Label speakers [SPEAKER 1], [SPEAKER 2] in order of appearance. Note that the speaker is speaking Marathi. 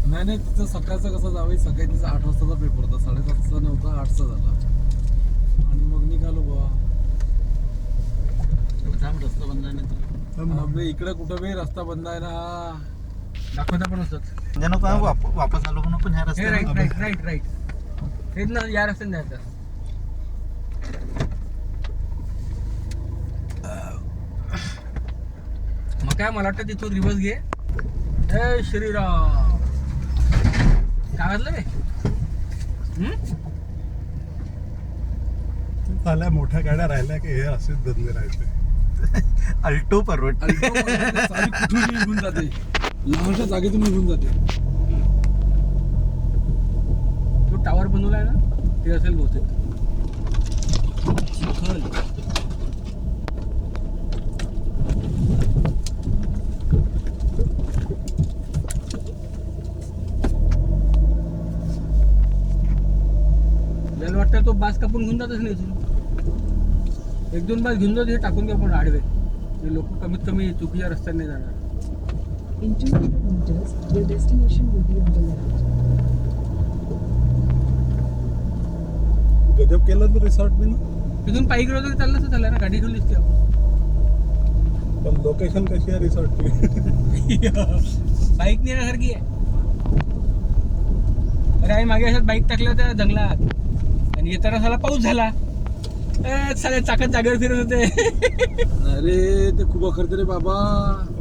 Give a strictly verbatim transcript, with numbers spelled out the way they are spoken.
[SPEAKER 1] नाही नाही तिथं सकाळचं कसं जावं, सकाळी तिचा आठ वाजताचा पेपर होता, साडेसातचा नव्हता, आठचा झाला आणि मग निघालो बाबा.
[SPEAKER 2] रस्ता बंद आहे ना
[SPEAKER 1] आपल्या इकडे कुठं बी रस्ता बंद आहे ना, दाखवता पण असतात
[SPEAKER 2] जणू काय वाप- वापस आलो म्हणून पण ह्या
[SPEAKER 3] हे राईट
[SPEAKER 2] रस्त्याने
[SPEAKER 3] राईट राईट राईट हेच ना, या रस्त्याने जायचं. मग काय मला वाटतं तिथून रिवर्स घे. जय श्रीराम. काय वाजलं बे? हम्म?
[SPEAKER 4] झाल्या मोठ्या गाड्या राहिल्या की हे असेच धंदे राहायचे.
[SPEAKER 2] अल्टो परवड
[SPEAKER 1] कुठून निघून जाते, लहानशा जागेतून निघून जाते.
[SPEAKER 3] तो टावर बनवलाय ना, ते असेल बहुतेक. चिखल. आपल्याला वाटतं तो बास कापून घेऊन जातच नाही इथून. एक दोन बास घेऊन जात, हे टाकून घ्या पण आडवे. हे लोक कमीत कमी चुकीच्या रस्त्याने नाही जाणार.
[SPEAKER 5] In two hundred meters, your destination will be on the left.
[SPEAKER 4] गजब केलं तर रिसॉर्ट मी ना,
[SPEAKER 3] तिथून पायी गेलो तरी चाललं तर चाललं ना, गाडी घेऊन दिसते आपण.
[SPEAKER 4] पण लोकेशन कशी आहे रिसॉर्टची?
[SPEAKER 3] बाईक नेण्यासारखी आहे. अरे आई मागे अशात बाईक टाकल्या होत्या जंगलात आणि येताना साला पाऊस झाला. ए, साले चाकत जागेवर फिरत होते.
[SPEAKER 1] अरे ते खूप अखरते रे बाबा.